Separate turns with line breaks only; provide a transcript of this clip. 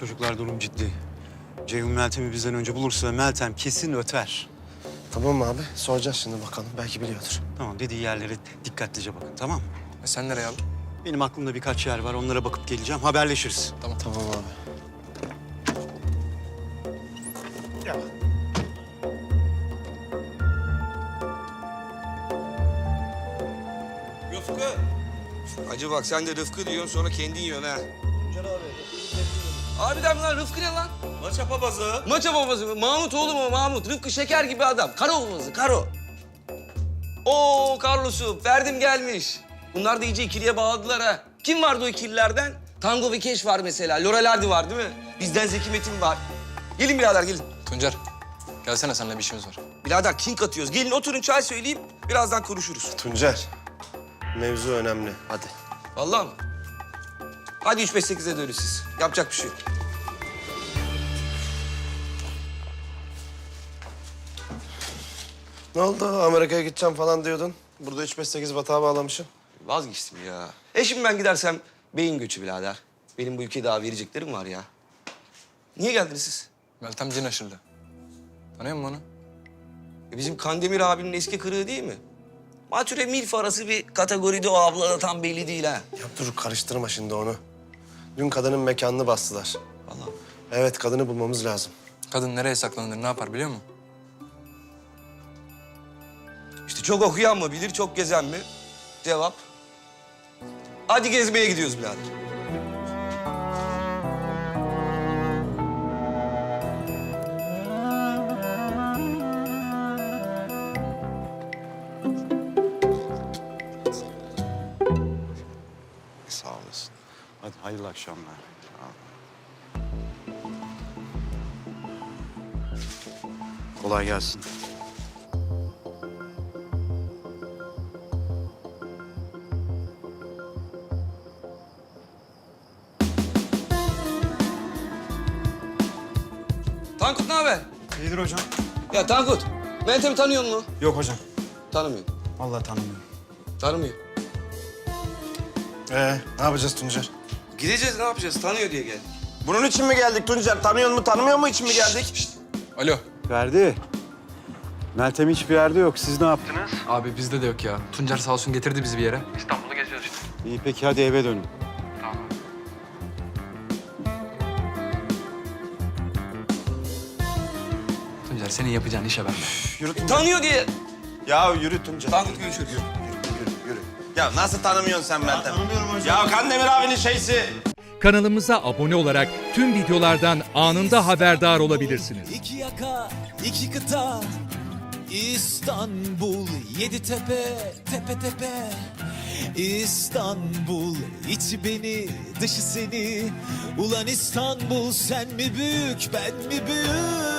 Çocuklar durum ciddi. Ceyhun Meltem'i bizden önce bulursa Meltem kesin öter.
Tamam mı abi? Soracağız şimdi bakalım. Belki biliyordur.
Tamam, dediği yerlere dikkatlice bakın, tamam mı?
Sen nereye abi?
Benim aklımda birkaç yer var, onlara bakıp geleceğim. Haberleşiriz.
Tamam.
Tamam abi.
Rıfkı. Acı bak sen de Rıfkı diyorsun sonra kendin yiyorsun ha. Harbiden mi lan? Rıfkı ne lan?
Maça papazı.
Maça babası mı? Mahmut oğlum o Mahmut. Rıfkı şeker gibi adam. Karo babası, Karo. Oo Carlos'u, Ferdim gelmiş. Bunlar da iyice ikiliye bağladılar ha. Kim vardı o ikililerden? Tango ve Keş var mesela. Laurel Hardy var değil mi? Bizden Zeki Metin var. Gelin birader gelin.
Tuncer, gelsene seninle bir işimiz var.
Birader king atıyoruz. Gelin oturun çay söyleyeyim. Birazdan konuşuruz.
Tuncer. Mevzu önemli. Hadi.
Vallahi mı? Hadi 3-5-8'e dönün siz. Yapacak bir şey yok.
Ne oldu? Amerika'ya gideceğim falan diyordun. Burada 3-5-8 batağa bağlamışsın.
Vazgeçtim ya. Şimdi ben gidersem beyin göçü birader. Benim bu ülkeye daha vereceklerim var ya. Niye geldiniz siz?
Meltem cin aşırdı. Tanıyor musun onu?
Bizim Kandemir abinin eski kırığı değil mi? Mature milf arası bir kategoride o abla da tam belli değil ha.
Ya dur karıştırma şimdi onu. Dün kadının mekanını bastılar.
Vallahi.
Evet kadını bulmamız lazım.
Kadın nereye saklanır, ne yapar biliyor musun?
İşte çok okuyan mı bilir, çok gezen mi? Cevap. Hadi gezmeye gidiyoruz birader.
Sağ olasın. Hadi hayırlı akşamlar. Kolay gelsin.
Tankut ne haber?
İyidir hocam.
Ya Tankut, Meltem'i tanıyor musun?
Yok hocam.
Tanımıyor.
Vallahi tanımıyorum.
Tanımıyor.
Ne yapacağız Tuncer?
Gideceğiz ne yapacağız? Tanıyor diye geldik.
Bunun için mi geldik Tuncer? Tanıyor mu, tanımıyor mu için mi geldik?
Alo.
Ferdi. Meltem hiçbir yerde yok. Siz ne yaptınız?
Abi bizde de yok ya. Tuncer sağ olsun getirdi bizi bir yere.
İyi peki hadi eve dönün.
Tuncer senin yapacağın işe ben.
Yürü Tuncer.
Tanıyor diye.
Ya yürü Tuncer.
Tankut görüşürüz.
Yürü. Ya nasıl tanımıyorsun sen Meltem? Tanımıyorum hocam. Ya Kandemir abinin şeysi.
Kanalımıza abone olarak tüm videolardan anında haberdar olabilirsiniz.
İki yaka, iki kıta, İstanbul, yedi tepe, tepe tepe. İstanbul, içi beni, dışı seni. Ulan İstanbul, sen mi büyük, ben mi büyük?